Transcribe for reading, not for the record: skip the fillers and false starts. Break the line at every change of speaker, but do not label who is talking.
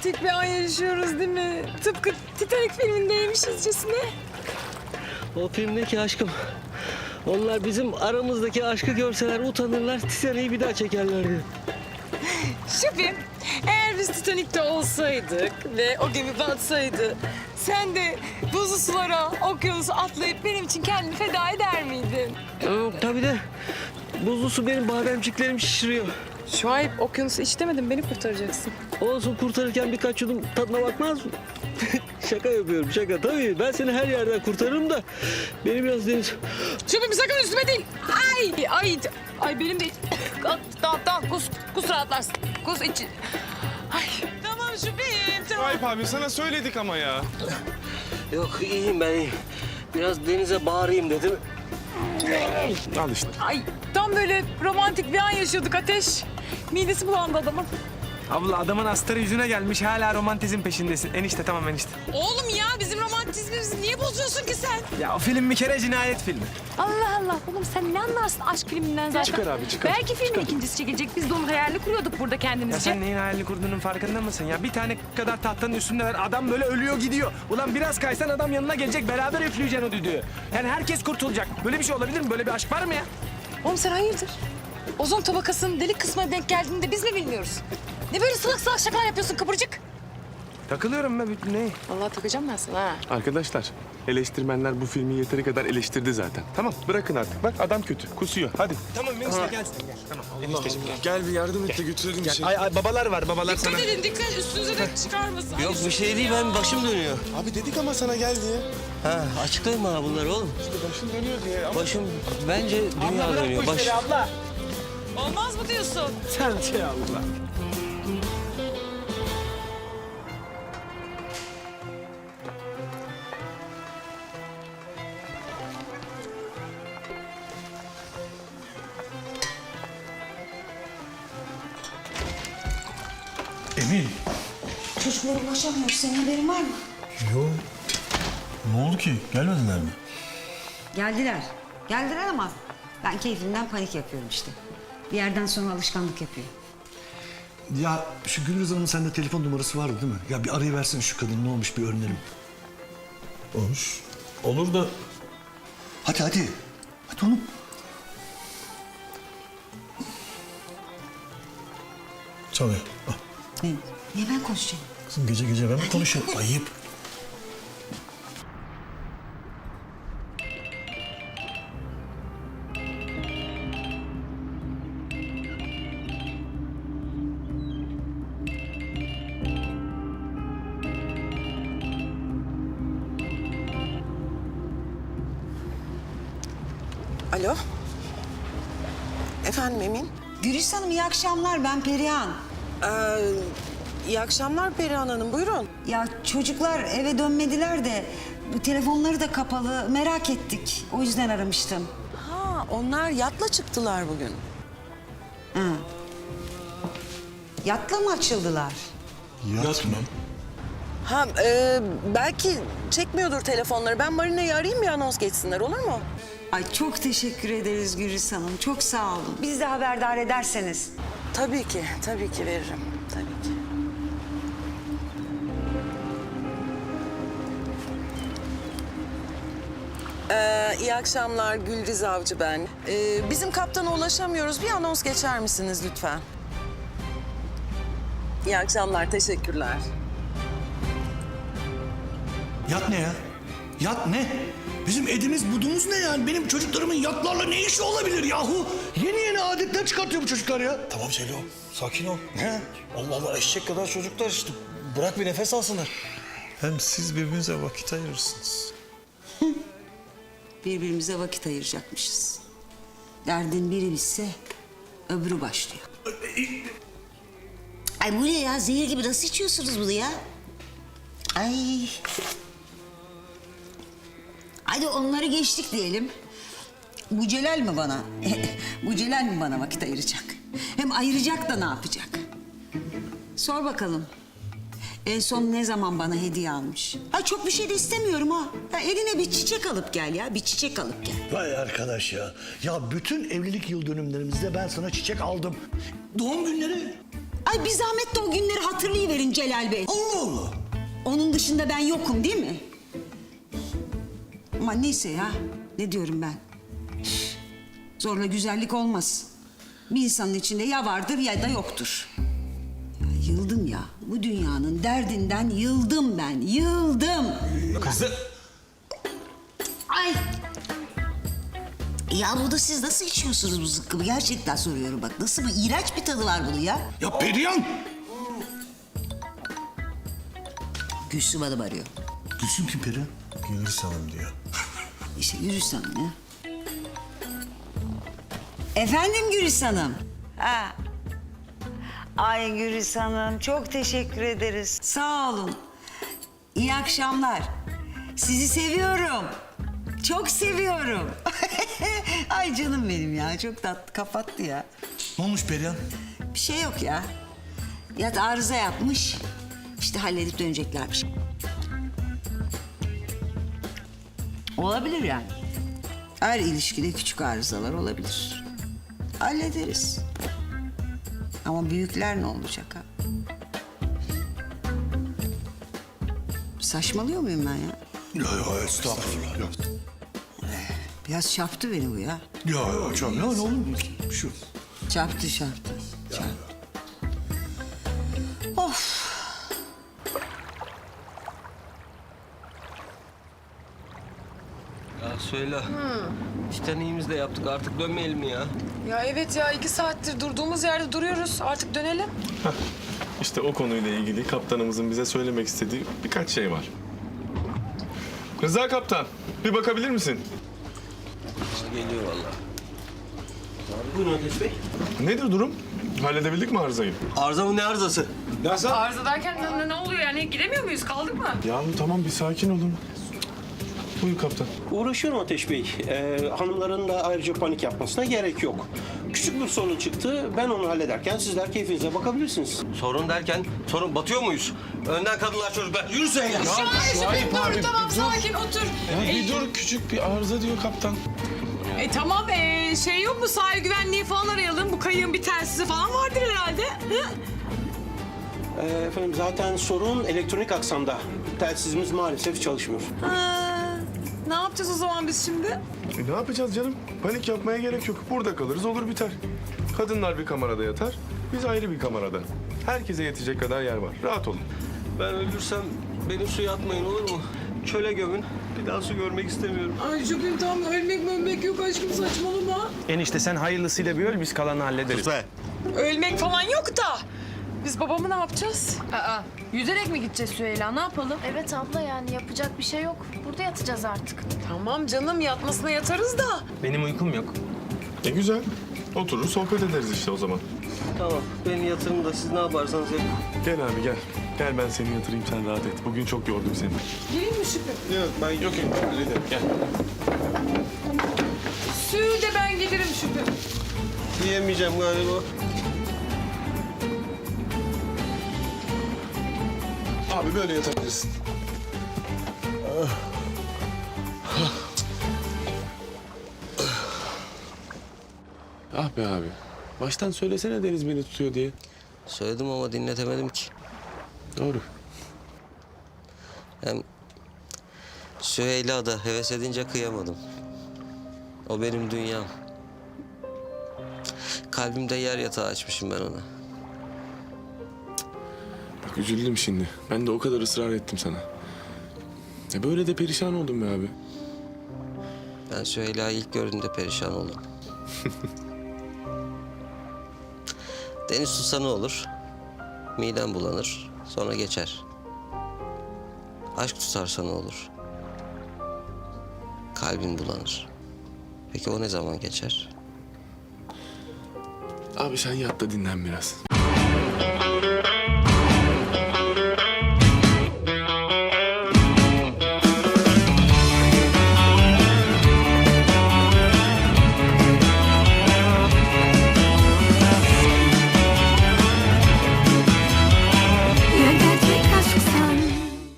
romantik bir an yaşıyoruz değil mi? Tıpkı Titanic filmindeymişizcesine.
O filmdeki aşkım. Onlar bizim aramızdaki aşkı görseler utanırlar, Titanic'i bir daha çekerlerdi.
Şefim, eğer biz Titanic'te olsaydık ve o gemi batsaydı... ...sen de buzlu sulara, okyanusu atlayıp benim için kendini feda eder miydin?
Tabii de buzlu su benim bademciklerimi şişiriyor.
Şuayb, okyanusu iç demedim, beni kurtaracaksın.
Olsun, kurtarırken birkaç yudum tadına bakmaz mı? Şaka yapıyorum, şaka. Tabii ben seni her yerden kurtarırım da beni biraz deniz...
Şefim sakın üstüme değil. Ay benim de... Tamam, kus rahatlarsın. Kus iç. Ay tamam şefim, tamam.
Şuayb abi sana söyledik ama ya.
Yok, iyiyim ben, iyiyim. Biraz denize bağırayım dedim.
Al işte.
Ay tam böyle romantik bir an yaşıyorduk Ateş. Midesi bulandı adamın.
Abla adamın astarı yüzüne gelmiş hala romantizm peşindesin. Enişte tamam enişte.
Oğlum ya bizim romantizmimizi niye bozuyorsun ki sen?
Ya o film bir kere cinayet filmi.
Allah Allah oğlum sen ne anlarsın aşk filminden zaten?
Çıkar abi, çıkar.
Belki filmin ikincisi çekilecek. Biz de onun hayalini kuruyorduk burada
Ya
kendimizce.
sen neyin hayalini kurduğunun farkında mısın ya? Bir tane kadar tahtanın üstündeler adam böyle ölüyor gidiyor. Ulan biraz kaysan adam yanına gelecek beraber üfleyeceksin o düdüğü. Yani herkes kurtulacak. Böyle bir şey olabilir mi? Böyle bir aşk var mı ya?
Oğlum sen hayırdır? Ozon tabakasının delik kısmına denk geldiğinde biz mi bilmiyoruz? Ne böyle salak salak şakalar yapıyorsun kıvırcık?
Takılıyorum ben. Ne?
Vallahi takacağım ben sana ha.
Arkadaşlar eleştirmenler bu filmi yeteri kadar eleştirdi zaten. Tamam bırakın artık. Bak adam kötü. Kusuyor. Hadi.
Tamam enişte gel sen gel. Tamam enişteciğim gel.
Gel bir yardım et de götürelim bir şey.
Ay babalar var babalar sana.
Dikkat edin dikkat üstünüze de çıkarmasın.
Yok bir şey değil, ben başım dönüyor.
Abi dedik ama sana gel diye.
Ha, açıklayın bana bunları oğlum.
Başın dönüyor diye ama...
Başım, bence dünya dönüyor. Baş...
abla.
Olmaz mı diyorsun?
Sen şey abla.
Emin.
Çocuklara ulaşamıyoruz. Senin haberin var mı?
Yok. Ne oldu ki? Gelmediler mi?
Geldiler. Geldiler ama ben keyfimden panik yapıyorum işte. Bir yerden sonra alışkanlık yapıyor.
Ya şu Gülriz Hanım'ın sende telefon numarası vardı değil mi? Ya bir arayıversene şu kadın, ne olmuş bir öğrenelim. Olmuş. Olur da... Hadi hadi. Hadi oğlum. Çalıyor. Ah.
Niye ben konuşacağım?
Kızım gece gece ben mi konuşuyorum? Ayıp.
Alo. Efendim Emin.
Gülis Hanım iyi akşamlar. Ben Perihan.
İyi akşamlar Perihan Hanım. Buyurun.
Ya çocuklar eve dönmediler de bu telefonları da kapalı. Merak ettik. O yüzden aramıştım.
Ha, onlar yatla çıktılar bugün.
Yatla mı açıldılar?
Yat mı?
Ha, belki çekmiyordur telefonları. Ben Marina'yı arayayım bir anons geçsinler olur mu?
Ay çok teşekkür ederiz Gülis Hanım. Çok sağ olun. Bizi de haberdar ederseniz.
Tabii ki veririm. Tabii ki. İyi akşamlar Gülriz Avcı ben. Bizim kaptana ulaşamıyoruz. Bir anons geçer misiniz lütfen? İyi akşamlar, teşekkürler.
Yat ne ya? Yat ne? Bizim edimiz budumuz ne yani? Benim çocuklarımın yatlarla ne işi olabilir yahu? Yeni adetler çıkartıyor bu çocuklar ya. Tamam Celo, sakin ol. He? Allah Allah, eşek kadar çocuklar işte. Bırak bir nefes alsınlar. Hem siz birbirinize vakit ayırırsınız.
Birbirimize vakit ayıracakmışız. Derdin biri bitse öbürü başlıyor. Ay bu ne ya? Zehir gibi nasıl içiyorsunuz bunu ya? Ay. Hadi onları geçtik diyelim. Bu Celal mi bana? Bu Celal mi bana vakit ayıracak? Hem ayıracak da ne yapacak? Sor bakalım. En son ne zaman bana hediye almış? Ha çok bir şey de istemiyorum ha. Ya eline bir çiçek alıp gel ya. Bir çiçek alıp gel.
Vay arkadaş ya. Ya bütün evlilik yıl dönümlerimizde ben sana çiçek aldım. Doğum günleri.
Ay bir zahmet de o günleri hatırlayıverin Celal Bey.
Allah Allah.
Onun dışında ben yokum değil mi? Ama neyse ya. Ne diyorum ben? Üf, zorla güzellik olmaz. Bir insanın içinde ya vardır ya da yoktur. Ya yıldım ya. Bu dünyanın derdinden yıldım ben. Yıldım.
Kızım.
Ay. Ya bunu siz nasıl içiyorsunuz bu zıkkımı? Gerçekten soruyorum bak. Nasıl bir iğrenç bir tadı var bunun ya.
Ya Perihan.
Gülsüm Hanım arıyor.
Gülsüm kim Perihan? Gülsüm Hanım diyor.
İşte Gülis Hanım ya. Efendim Gülis Hanım. Ha. Ay Gülis Hanım çok teşekkür ederiz. Sağ olun. İyi akşamlar. Sizi seviyorum. Çok seviyorum. Ay canım benim ya. Çok tatlı kapattı ya.
Ne olmuş Perihan?
Bir şey yok ya. Yat arıza yapmış. İşte halledip döneceklermiş. Olabilir yani. Her ilişkide küçük arızalar olabilir. Hallederiz. Ama büyükler ne olacak ha? Saçmalıyor muyum ben ya?
Ya estağfurullah. Ya
Biraz çarptı beni bu ya.
canım ya ne olur şu.
Çarptı. Of.
Ya söyle. İşte neyimiz de yaptık artık dönmeyelim mi ya?
Ya evet ya 2 saattir durduğumuz yerde duruyoruz. Artık dönelim.
İşte o konuyla ilgili kaptanımızın bize söylemek istediği birkaç şey var. Rıza kaptan, bir bakabilir misin?
Geliyor vallahi. Buyurun Ateş Bey.
Nedir durum? Halledebildik mi arızayı?
Arıza mı ne arızası?
Arıza derken ne oluyor yani? Gidemiyor muyuz? Kaldık mı?
Yahu tamam bir sakin olun. Buyur kaptan.
Uğraşıyorum Ateş Bey. Hanımların da ayrıca panik yapmasına gerek yok. Küçük bir sorun çıktı. Ben onu hallederken sizler keyfinize bakabilirsiniz.
Sorun derken sorun batıyor muyuz? Önden kadınlar çocuklar. Yürüsene ya.
Şahip dur tamam sakin otur.
Ya bir dur, küçük bir arıza diyor kaptan.
Tamam şey yok mu sahil güvenliği falan arayalım. Bu kayığın bir telsizi falan vardır herhalde. Hı?
Efendim zaten sorun elektronik aksamda. Telsizimiz maalesef çalışmıyor.
Ne yapacağız o zaman biz şimdi?
Ne yapacağız canım? Panik yapmaya gerek yok. Burada kalırız, olur biter. Kadınlar bir kamerada yatar, biz ayrı bir kamerada. Herkese yetecek kadar yer var. Rahat olun.
Ben ölürsem beni suya atmayın olur mu? Çöle gömün. Bir daha su görmek istemiyorum.
Ay Şükrü tamam ölmek yok aşkım saçmalama.
Enişte sen hayırlısıyla bir öl biz kalanı hallederiz.
Ölmek falan yok da. Biz babamı ne yapacağız?
Yüzerek mi gideceğiz Süheyla? Ne yapalım? Evet abla yani yapacak bir şey yok. Burada yatacağız artık.
Tamam canım yatmasına yatarız da.
Benim uykum yok.
Güzel. Oturur sohbet ederiz işte o zaman.
Tamam beni yatırın da siz ne yaparsanız yapın.
Gel abi gel. Gel ben seni yatırayım sen rahat et. Bugün çok yordum seni.
Gelin mi Şükrü?
Yok ben yok hallederim. Gel.
Suyu de ben gelirim Şükrü.
Diyemeyeceğim galiba.
Abi böyle yatabilirsin. Ah be abi. Baştan söylesene Deniz beni tutuyor diye.
Söyledim ama dinletemedim ki.
Doğru.
Hem Süheyla da heves edince kıyamadım. O benim dünyam. Kalbimde yer yatağı açmışım ben ona.
Bak üzüldüm şimdi. Ben de o kadar ısrar ettim sana. Böyle de perişan oldum be abi.
Ben Süheyla'yı ilk gördüğümde perişan oldum. Deniz tutsa ne olur? Midem bulanır, sonra geçer. Aşk tutarsa ne olur? Kalbin bulanır. Peki o ne zaman geçer?
Abi sen yat da dinlen biraz.